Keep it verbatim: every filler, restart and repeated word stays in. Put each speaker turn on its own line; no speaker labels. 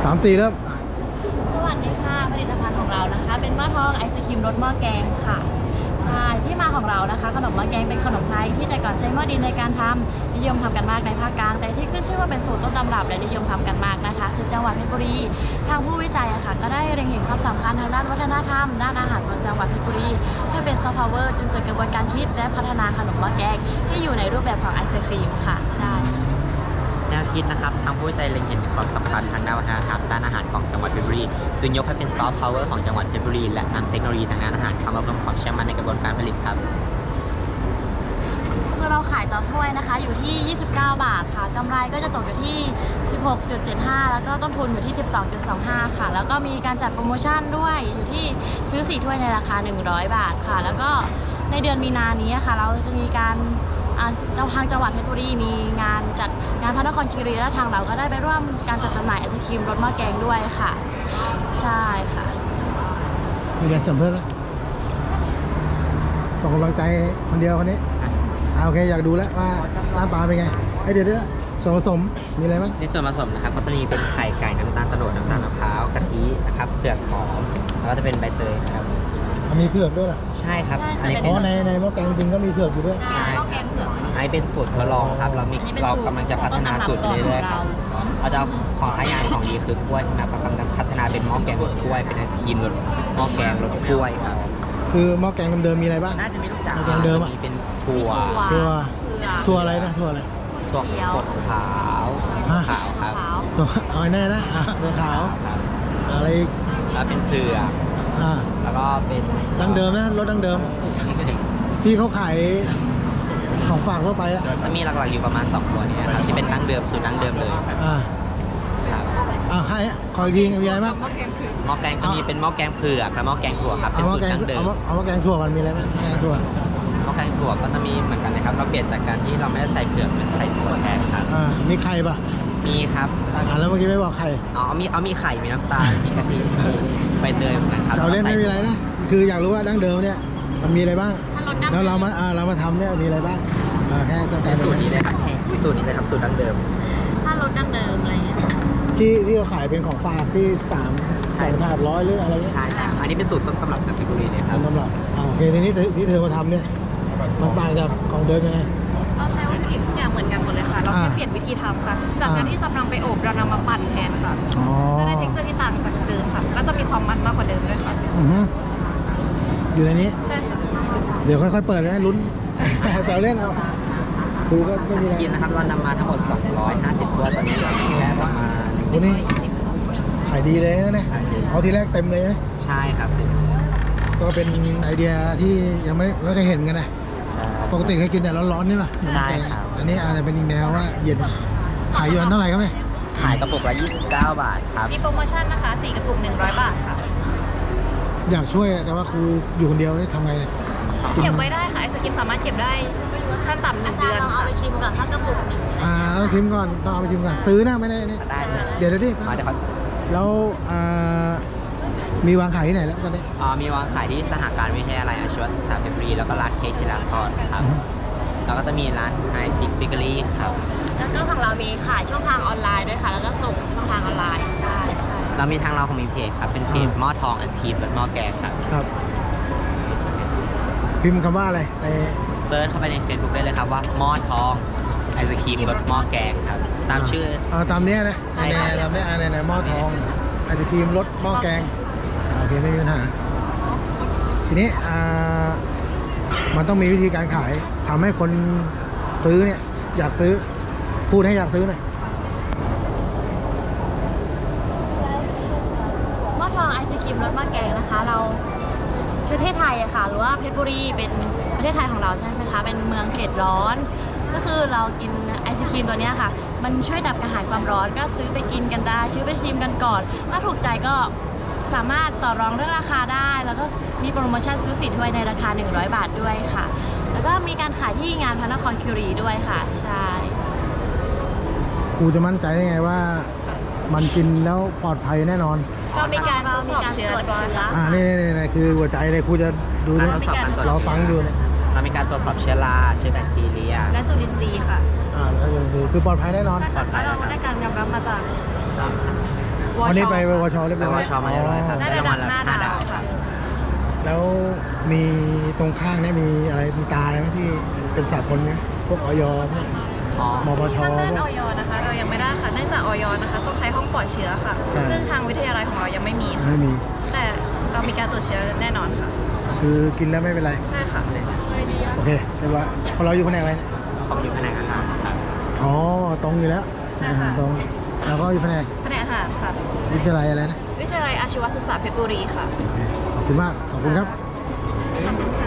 สามสี่เริ่ม
สวัสดีค่ะผลิตภัณฑ์ของเรานะคะเป็นหม้อทองไอศครีมรสหม้อแกงค่ะใช่ที่มาของเรานะคะขนมหม้อแกงเป็นขนมไทยที่แต่ก่อนใช้หม้อดินในการทำนิยมทำกันมากในภาคกลางแต่ที่ขึ้นชื่อว่าเป็นสูตรต้นตำรับและนิยมทำกันมากนะคะคือจังหวัดเพชรบุรีทางผู้วิจัยอะค่ะก็ได้เล็งเห็นความสำคัญทางด้านวัฒนธรรมด้านอาหารของจังหวัดเพชรบุรีให้เป็นซอฟต์พาวเวอร์จึงเกิดกระบวนการคิดและพัฒนาขนมหม้อแกงที่อยู่ในรูปแบบของไอศครีมค่ะใช่
แนวคิดนะครับทางผู้วิจัยเล็งเห็นถึงความสำคัญทางด้านวัฒนธรรมด้านอาหารของจังหวัดเพชรบุรีจึงยกให้เป็นซอฟต์พาวเวอร์ของจังหวัดเพชรบุรีและนำเทคโนโลยีทางด้านอาหารเข้ามาเพิ่มความเชื่อมั่นในกระบวนการผลิตครับ
คือเราขายต่อถ้วยนะคะอยู่ที่ยี่สิบเก้าบาทค่ะกำไรก็จะตกอยู่ที่ สิบหกจุดเจ็ดห้า แล้วก็ต้นทุนอยู่ที่ สิบสองจุดสองห้า ค่ะแล้วก็มีการจัดโปรโมชั่นด้วยอยู่ที่ซื้อสี่ถ้วยในราคาหนึ่งร้อยบาทค่ะแล้วก็ในเดือนมีนานี้ค่ะเราจะมีการเจ้าทางจังหวัดเพชรบุรีมีงานจัดงานพระนครคีรีและทางเราก็ได้ไปร่วมการจัดจำหน่ายไอศครีมรสหม้อแกงด้วยค่ะใช่ค่ะ
มีอะไรเสริมเพิ่มไหมส่งกำลังใจคนเดียวคนนี้โอเคอยากดูแล้วว่าหน้าตาเป็นไงไอเดี๋ยวเดี๋ยวส่วนผสมมีอะไรบ้าง
ในส่วนผสมนะครับก็จะมีเป็นไข่ไก่น้ำตาลโตโนดน้ำตาลมะพร้าวกะทินะครับเผือกหอมแล้วก็จะเป็นใบเตยนะครับ
มีเผือกด้วยเหรอ
ใช่ครับ
อันนี้เพราะในในหม้อแกงจริงก็มีเผือกอยู่ด้วย
ใช่หม้อแกงเผือก
อันนี้เป็นสูตรทดลองครับเรามีเรากำลังจะพัฒนาสูตรไปเรื่อยๆครับเราจะของท้ายางของดีคือกล้วยนะครับกำลังพัฒนาเป็นหม้อแกงรสกล้วยเป็นไอศครีมรสหม้อแกงรสกล้วยครับ
คือหม้อแกงเดิมๆมีอะไรบ้าง
น่าจะมีลูก
หม้อแกงเดิม
มีเป็นถั่ว
ถั่วถั่วอะไรนะถั่วอะไร
ถั่วขาวขาวครับ
ถั่วเอาไอ้นั่นนะถั่วขาวอะไร
แล้วเป็นเผือกแล้วก็เป็น
ดั้งเดิมนะรสดั้งเดิมที่เขาขายของฝากทั่วไปอะ
จะมีหลักๆอยู่ประมาณสองตัวนี้ครับที่เป็นดั้งเดิมสูตรดั้งเดิมเลยครับ
อ่าอ่าให้ขออีกทีมีอะไรบ้าง
หม้อแกงจะมีเป็นหม้อแกงเผือกและหม้อแกงถั่วครับเป็นสูตรดั้งเดิม
เอาหม้อแกงถั่วมันมีอะไรบ้างแกงถั่ว
หม้อแกงถั่วก็จะมีเหมือนกันนะครับเราเปลี่ยนจากการที่เราไม่ได้ใส่เผือกเป็นใส่ถั่วแทนครับ
อ่ามีไข่ปะ
มีครับ
อ่าแล้วเมื่อกี้ไม่บอกไข่
อ๋อมีเอามีไข่มีน้ำตาลมีกะทิใบเตยเหมือนกันครับ
เราเล่นไม่มีอะไรนะคืออยากรู้ว่าดั้งเดิมเนี่ยมันมีอะไรบ้างแล้วเรามาอ่าเรามาทำเนี่ยมีอะไรบ้างอ่าแค่ต้องการ
สูตรนี้เลยครับสูตรนี้เลยครับสูตรดั้งเดิม
ถ้ารสดั้งเดิมอะไรเงี้ย
ที่ที่เขาขายเป็นของฝากที่สามสองถาดร้อยหรืออะไรเงี้ย
ใช่อันนี้เป็นสูตรต้นตำรับจากเพชรบุรีเลยครับ
ต้นตำรับอ่าโอเคทีนี้ที่เธอมาทำเนี่ยมันต่างจากของเดิมยังไง
เราใช้วัตถุดิบทุกอย่างเหมือนกันหมดเลยค่ะเราแค่เปลี่ยนวิธีทำค่ะจากการที่จะนำไปอบเรานำมาปั่นแทนค่ะจะได้เท็กเจอร์ที่ต่างจากเดิมค่ะแล้วจะมีความมันมากกว่าเดิมด้วยค่ะ
อยู่ในนี้
ใช่ค่ะ
เดี๋ยวค่อยๆเปิดนะลุ้นแต่เล่นเอาครูก็ไม่มีอะไร
กินนะครับเรานำมาทั้งหมดสองร้อยห้าสิบตัวตอนนี้เราแค่ประมาณ
ตัวนี้ขายดีเลยนะเนี่ยเอาทีแรกเต็มเลยนะ
ใช่ครับ
ก็เป็นไอเดียที่ยังไม่ไม่เคยเห็นกันนะปกติเคยกินแต่ร้อนๆใช่ไหม
ใช่ครับ
อันนี้อาจจะเป็นอีกแนวว่าเย็นขายอยู่อันเท่าไหร่ครับเนี่ย
ขายกระปุกละยี่สิบเก้าบาทครับ
มีโปรโมชั่นนะคะสี่กระปุกหนึ่งร้อยบาทค่ะ
อยากช่วยแต่ว่าครูอยู่คนเดียวทำไงเนี่ย
เก็บไว้ได้ค่ะไอศครีมสามารถเก็บได้ขั้นต่ำหนึ่งเดือนค่ะ
เอาไปชิมก่อนถ้ากระปุกหนึ่ง
อ่าเอาชิมก่อนต้องเอาไปชิมก่อนซื้อนะไม่ได้นี่เดี๋ยวเดี๋ยวดิ
มาเดี๋ยวครับ
แล้วมีวางขายที่ไหนแล้วตอนนี้
อ๋อมีวางขายที่สหการวิทยาลัยอาชีวศึกษาเพชรบุรีแล้วก็ร้านเค้กชิลาพรครับแล้วก็จะมีร้านไฮบิ๊กเบเกอรี่ครับ
แล้วก็ของเรามีขายช่องทางออนไลน์ด้วยค่ะแล้วก็ส่งช่องทางออนไลน์ได้
เรามีทางเราของมีเพจครับเป็นเพจหม้อทองไอศครีมและหม้อแกงครับ
ครับพิมพ์คำว่าอะไรใน
เซิร์ชเข้าไปใน Facebook ได้เลยครับว่าหม้อทองไอศครีมรสหม้อแกงครับตามชื่อ
อ่าตามนี้นะในเราไม่อ่านในหม้อทองไอศครีมรสหม้อแกงโอเคไม่มีปัญหาทีนี้อ่ามันต้องมีวิธีการขายทำให้คนซื้อเนี่ยอยากซื้อพูดให้อยากซื้อหน่อย
หม้อทองไอศครีมรสหม้อแกงนะคะเราประเทศไทยอะค่ะหรือว่าเพชรบุรีเป็นประเทศไทยของเราใช่ไหมคะเป็นเมืองเขตร้อนก็คือเรากินไอศครีมตัวนี้ค่ะมันช่วยดับกระหายความร้อนก็ซื้อไปกินกันได้ซื้อไปชิมกันก่อนถ้าถูกใจก็สามารถต่อรองเรื่องราคาได้แล้วก็มีโปรโมชั่นซื้อสี่ถ้วยในราคาหนึ่งร้อยบาทด้วยค่ะแล้วก็มีการขายที่งานพระนครคีรีด้วยค่ะใช่
ครูจะมั่นใจได้ไงว่ามันกินแล้วปลอดภัยแน่นอน
เรามีการทดสอบเชื้อเรียบร้อยค่ะ
อ่านี่นี่คือหัวใจเลยครูจะดูเนี่ยเราฟังดูเนี่ย
เรามีการตรวจสอบเชื้อราเชื้อแบคทีเรีย
และจุลินทรีย์ค่ะ
อ่าแล้วจุลินทรีย์คือปลอดภัยแน่นอน
ใช่ค่ะแล้วเราได้การยอมรับมาจากว
วันนี้ไปวชเรียบร้อย
ไปวชมาเรียบร้อยครับ
ได้ระดับห้าดาวค่ะ
แล้วมีตรงข้างเนี่ยมีอะไรมีตาอะไรไหมที่เป็นสากลไหมพวกออยพวก
อ๋อ
มปช
ทางด้าน
พว
อก อยนะคะ เรายังไม่ได้ค่ะ เนื่องจากออยนะคะ ต้องใช้ห้องปลอดเชื้อค่ะ
ใช่
ซึ่งทางวิทยาลัยของเรายังไม่มีค่ะ
ไม่มี
แต่เรามีการตรวจเชื้อแน่นอนค่ะ
คือกินแล้วไม่เป็นไร
ใช่ค่ะ
โอเคเรียบร้อยพอเราอยู่แผนกอะไรเนี่ย
ผมอยู่แผนกอาหารครับ
อ๋อตรงอยู่แล้ว
ใช่ค่ะ
ตรงแล้วก็อยู่แผนก
แผนกอาหารค่ะ
วิทยาลัยอะไรนะ
วิทยาลัยอาชีวศึกษาเพชรบุรีค่ะ
โอเคขอบคุณมากขอบคุณครับ
ขอบคุณค่ะ